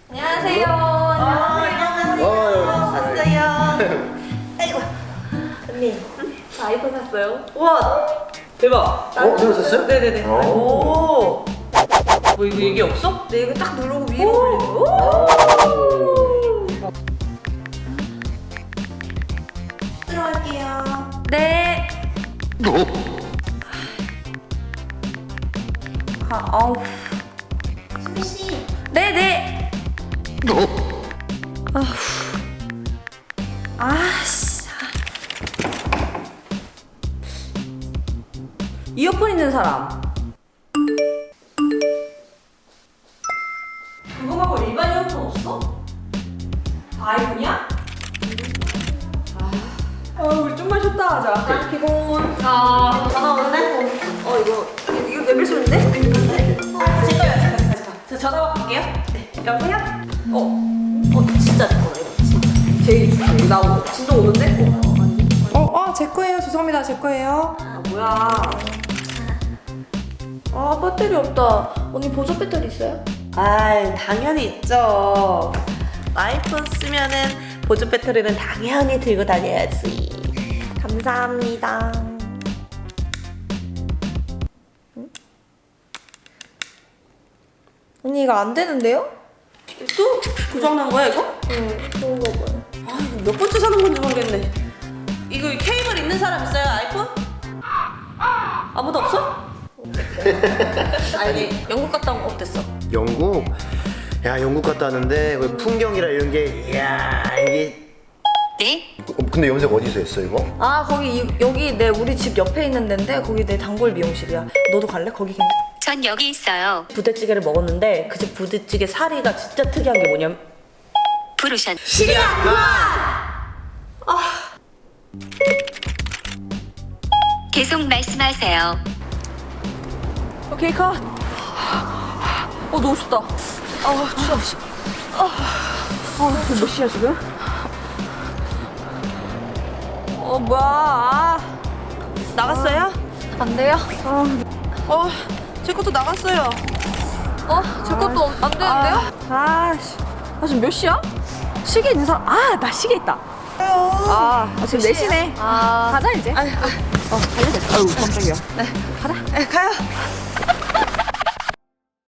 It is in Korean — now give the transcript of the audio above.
안녕하세요. 안녕하세요. 왔어요. 아이고. 언니, 저 아이폰 샀어요. 우와 대박. 새로 샀어요? 네네네. 오. 뭐 이거 얘기 없어? 네, 이거 딱 누르고 위로 올리는 거. 들어갈게요. 네. 아우. 수미 씨, 네네. 아씨. 이어폰 있는 사람. 그거 말고 일반 이어폰 없어? 아이폰이야? 우리 좀만 쉬었다 하자. 피곤. 전화 오는데? 이거 레벨 소리인데? 제가요. 저 전화 받을게요. 네. 여보세요? 진짜 내 거다 이거 진짜. 제일 중요해. 나 진동 오는데? 제 거예요. 죄송합니다. 제 거예요. 아 뭐야? 아 배터리 없다. 언니 보조 배터리 있어요? 아, 당연히 있죠. 아이폰 쓰면은 보조 배터리는 당연히 들고 다녀야지. 감사합니다. 언니 이거 안 되는데요? 또 고장난 거야 이거? 그런가 봐요. 아, 몇 번째 사는 건지 모르겠네. 이거 케이블 있는 사람 있어요 아이폰? 아무도 없어? 아니 영국 갔다 온 거 어땠어? 영국? 야, 영국 갔다 왔는데 그 풍경이라 이런 게 이야, 이게 근데 염색 어디서 했어 이거? 아 거기 여기 우리 집 옆에 있는 데인데 거기 내 단골 미용실이야. 너도 갈래? 거기 괜찮? 전 여기 있어요. 부대찌개를 먹었는데 그 집 부대찌개 사리가 진짜 특이한 게 뭐냐면 부르션. 계속 말씀하세요. 오케이 컷. 너무 춥다. 추워. 몇 시야 지금? 뭐야? 나갔어요? 안 돼요? 제 것도 나갔어요. 제 것도 안 되는데요? 지금 몇 시야? 시계 있는 사람? 나 시계 있다. 지금 4시네. 가자 이제. 가요.